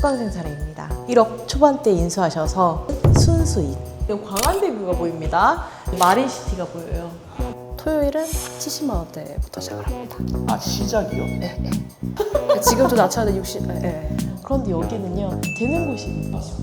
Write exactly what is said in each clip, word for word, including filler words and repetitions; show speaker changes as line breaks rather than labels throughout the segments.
수강생 사례입니다. 일억 초반대 인수하셔서 순수익. 광안대교가 보입니다. 마린시티가 보여요. 토요일은 칠십만 원대부터 시작을 합니다.
아, 시작이요?
네, 네. 지금도 낮춰야 육십. 네, 네. 그런데 여기는요, 되는 곳이 있는 거죠.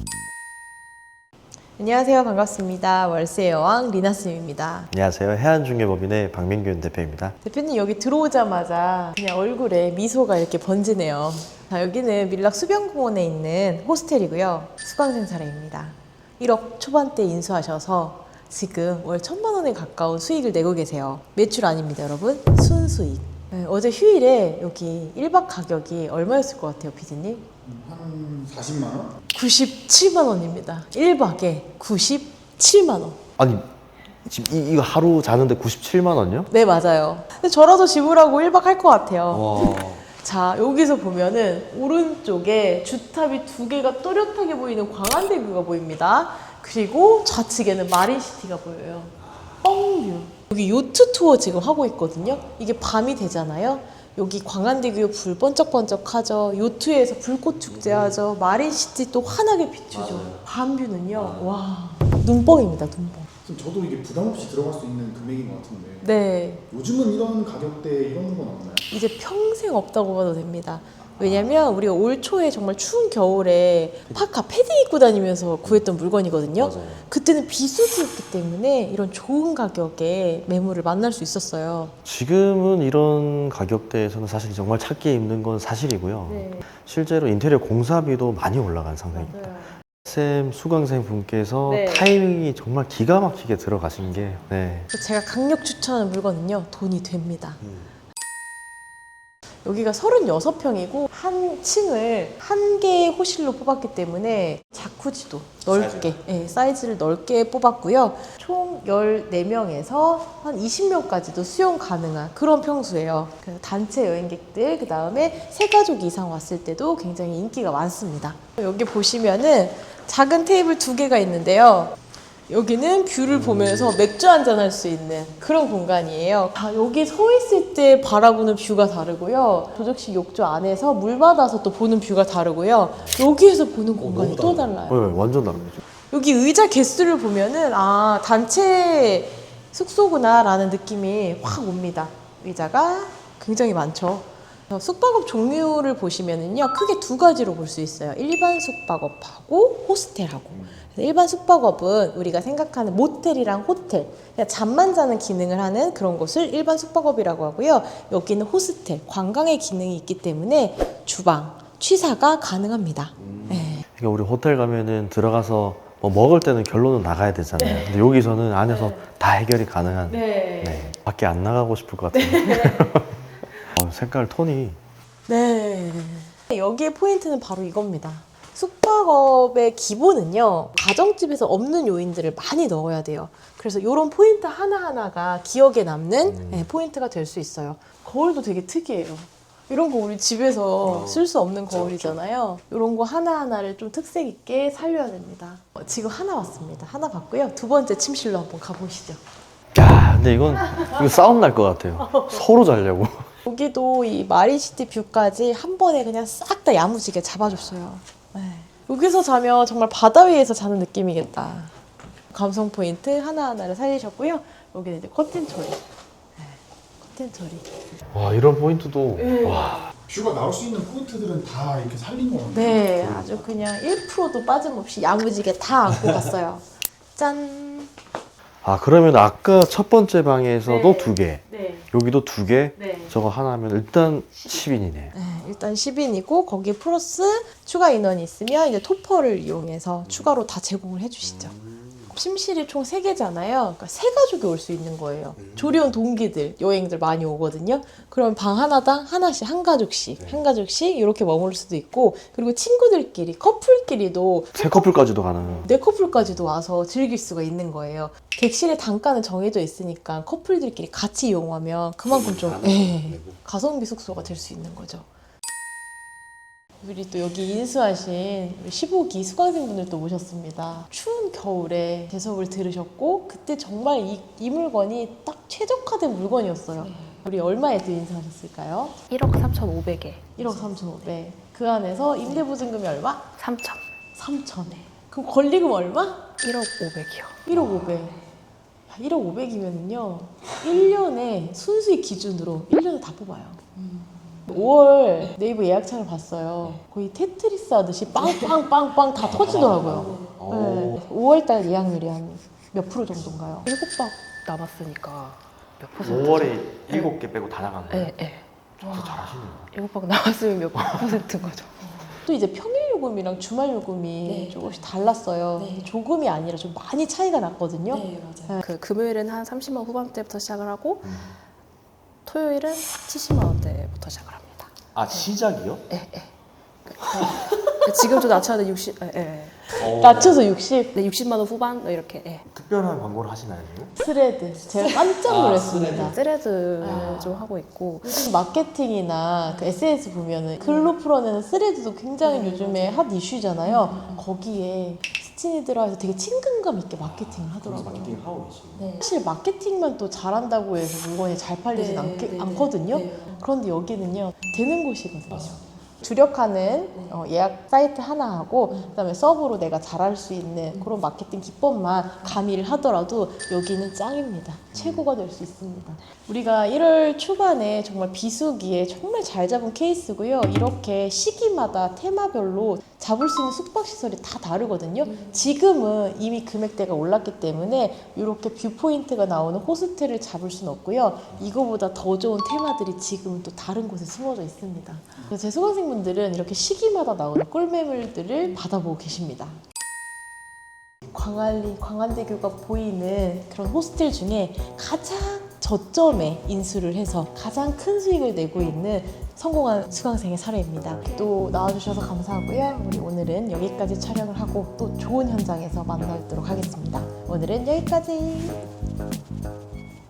안녕하세요. 반갑습니다. 월세의 여왕 리나쌤입니다.
안녕하세요. 해안중개법인의 박민균 대표입니다.
대표님 여기 들어오자마자 그냥 얼굴에 미소가 이렇게 번지네요. 자, 여기는 밀락 수변공원에 있는 호스텔이고요. 수강생 사례입니다. 일억 초반대 인수하셔서 지금 월 천만 원에 가까운 수익을 내고 계세요. 매출 아닙니다, 여러분. 순수익. 네, 어제 휴일에 여기 일 박 가격이 얼마였을 것 같아요, 피디님?
한 사십만 원?
구십칠만 원입니다. 일 박에 구십칠만 원.
아니, 지금 이, 이거 하루 자는데 구십칠만 원요?
네, 맞아요. 근데 저라도 지불하고 일 박 할 것 같아요.
와.
자, 여기서 보면은 오른쪽에 주탑이 두 개가 또렷하게 보이는 광안대교가 보입니다. 그리고 좌측에는 마린시티가 보여요. 뻥뷰. 여기 요트 투어 지금 하고 있거든요. 이게 밤이 되잖아요. 여기 광안대교 불 번쩍번쩍하죠. 요트에서 불꽃 축제하죠. 마린시티 또 환하게 비추죠. 밤뷰는요, 와, 눈뻥입니다, 눈뻥.
지금 저도 이게 부담 없이 들어갈 수 있는 금액인 것 같은데
네,
요즘은 이런 가격대에 이런 건 없나요?
이제 평생 없다고 봐도 됩니다. 왜냐면 우리가 올 초에 정말 추운 겨울에 파카 패딩 입고 다니면서 구했던 물건이거든요.
맞아요.
그때는 비수기였기 때문에 이런 좋은 가격에 매물을 만날 수 있었어요.
지금은 이런 가격대에서는 사실 정말 찾기 힘든 건 사실이고요.
네,
실제로 인테리어 공사비도 많이 올라간 상황입니다. 쌤 수강생 분께서
네.
타이밍이 정말 기가 막히게 들어가신 게 네.
제가 강력 추천하는 물건은요, 돈이 됩니다. 여기가 서른여섯 평이고 한 층을 한 개의 호실로 뽑았기 때문에 자쿠지도 넓게, 예, 사이즈를 넓게 뽑았고요. 총 열네 명에서 한 이십 명까지도 수용 가능한 그런 평수예요. 그 단체 여행객들, 그 다음에 세 가족 이상 왔을 때도 굉장히 인기가 많습니다. 여기 보시면은 작은 테이블 두 개가 있는데요. 여기는 뷰를 보면서 맥주 한잔 할 수 있는 그런 공간이에요. 아, 여기 서 있을 때 바라보는 뷰가 다르고요. 조적식 욕조 안에서 물 받아서 또 보는 뷰가 다르고요. 여기에서 보는 공간이 또 달라요.
네, 완전 다른 거죠.
여기 의자 개수를 보면은 아, 단체 숙소구나 라는 느낌이 확 옵니다. 의자가 굉장히 많죠. 숙박업 종류를 보시면은요, 크게 두 가지로 볼 수 있어요. 일반 숙박업하고 호스텔하고. 일반 숙박업은 우리가 생각하는 모텔이랑 호텔, 그냥 잠만 자는 기능을 하는 그런 곳을 일반 숙박업이라고 하고요. 여기는 호스텔, 관광의 기능이 있기 때문에 주방, 취사가 가능합니다.
음.
네.
그러니까 우리 호텔 가면은 들어가서 뭐 먹을 때는 결론은 나가야 되잖아요.
네.
근데 여기서는 안에서
네.
다 해결이 가능한.
네.
네. 밖에 안 나가고 싶을 것 같아요. 어, 색깔 톤이.
네. 여기에 포인트는 바로 이겁니다. 숙박업의 기본은요, 가정집에서 없는 요인들을 많이 넣어야 돼요. 그래서 이런 포인트 하나하나가 기억에 남는
음.
네, 포인트가 될 수 있어요. 거울도 되게 특이해요. 이런 거 우리 집에서
어,
쓸 수 없는 거울이잖아요. 이런 거 하나하나를 좀 특색 있게 살려야 됩니다. 어, 지금 하나 왔습니다. 하나 봤고요. 두 번째 침실로 한번 가보시죠.
야, 근데 이건 이거 싸움 날 것 같아요. 서로 자려고.
여기도 이 마린시티 뷰까지 한 번에 그냥 싹 다 야무지게 잡아줬어요. 네. 여기서 자면 정말 바다 위에서 자는 느낌이겠다. 감성 포인트 하나하나를 살리셨고요. 여기는 이제 커튼 처리. 네. 커튼 처리.
와, 이런 포인트도.
네.
와.
뷰가 나올 수 있는 포인트들은 다 이렇게 살린 것 같아요.
네, 아주 그냥 일 퍼센트도 빠짐없이 야무지게 다 안고 갔어요. 짠.
아, 그러면 아까 첫 번째 방에서도
네.
두 개,
네.
여기도 두 개,
네.
저거 하나 하면 일단 십 인이네.
네, 일단 십 인이고 거기에 플러스 추가 인원이 있으면 이제 토퍼를 이용해서 추가로 다 제공을 해주시죠. 침실이 총 세 개잖아요. 그러니까 세 가족이 올 수 있는 거예요. 조리원 동기들, 여행들 많이 오거든요. 그럼 방 하나당 하나씩, 한 가족씩,
네.
한 가족씩 이렇게 머물 수도 있고, 그리고 친구들끼리, 커플끼리도
세 커플까지도 가능.
네 커플까지도 와서 즐길 수가 있는 거예요. 객실의 단가는 정해져 있으니까 커플들끼리 같이 이용하면 그만큼 좀 예, 가성비 숙소가 될 수 있는 거죠. 우리 또 여기 인수하신 우리 십오 기 수강생분들도 오셨습니다. 추운 겨울에 제섭을 들으셨고 그때 정말 이, 이 물건이 딱 최적화된 물건이었어요. 우리 얼마에 또 인수하셨을까요?
일억 삼천오백에
일억 삼천오백. 그 안에서 임대보증금이 얼마?
삼천.
삼천에. 그럼 권리금 얼마?
일억 오백이요.
일억 오백. 일억 오백이면은요, 일 년에 순수익 기준으로 일 년에 다 뽑아요. 오월 네이버 예약창을 봤어요. 거의 테트리스 하듯이 빵빵빵빵 다 터지더라고요.
오.
네. 오월달 예약률이 한 몇 프로 정도인가요?
일곱 박 남았으니까 몇 퍼센트?
오월에 일곱 개 빼고 다 나간 거예요?
네, 네.
진짜 잘하시네요.
일곱 박 남았으면 몇 퍼센트인 거죠?
또 이제 평일 요금이랑 주말 요금이
네.
조금씩 달랐어요.
네.
조금이 아니라 좀 많이 차이가 났거든요.
네, 맞아요.
그 금요일은 한 삼십만 후반대부터 시작을 하고
음.
토요일은 칠십만 원대부터 시작을 합니다.
아 시작이요?
예, 예. 지금 좀 낮춰야 돼 육십. 예, 예.
어.
낮춰서 육십.
네, 육십만 원 후반 뭐 이렇게. 예.
특별한 광고를 하시나요 지금?
스레드. 제가 깜짝
아,
놀랐습니다.
스레드
아.
좀 하고 있고.
요즘 마케팅이나 그 에스엔에스 보면은 글로 풀어내는 스레드도 굉장히 요즘에 핫 이슈잖아요. 거기에 스친이 들어와서 되게 친근감 있게 마케팅을 하더라고요.
마케팅 하고 계시고.
네.
사실 마케팅만 또 잘한다고 해서 물건이 잘 팔리진
네,
않게,
네, 네.
않거든요.
네.
그런데 여기는요, 되는 곳이거든요. 주력하는 어, 예약 사이트 하나 하고 그다음에 서브로 내가 잘할 수 있는 그런 마케팅 기법만 가미를 하더라도 여기는 짱입니다. 최고가 될 수 있습니다. 우리가 일월 초반에 정말 비수기에 정말 잘 잡은 케이스고요. 이렇게 시기마다 테마별로 잡을 수 있는 숙박시설이 다 다르거든요. 지금은 이미 금액대가 올랐기 때문에 이렇게 뷰포인트가 나오는 호스텔을 잡을 수는 없고요. 이거보다 더 좋은 테마들이 지금은 또 다른 곳에 숨어져 있습니다. 그래서 제 수강생분들은 이렇게 시기마다 나오는 꿀매물들을 받아보고 계십니다. 광안리, 광안대교가 보이는 그런 호스텔 중에 가장 저점에 인수를 해서 가장 큰 수익을 내고 있는 성공한 수강생의 사례입니다. 또 나와주셔서 감사하고요. 우리 오늘은 여기까지 촬영을 하고 또 좋은 현장에서 만나도록 하겠습니다. 오늘은 여기까지.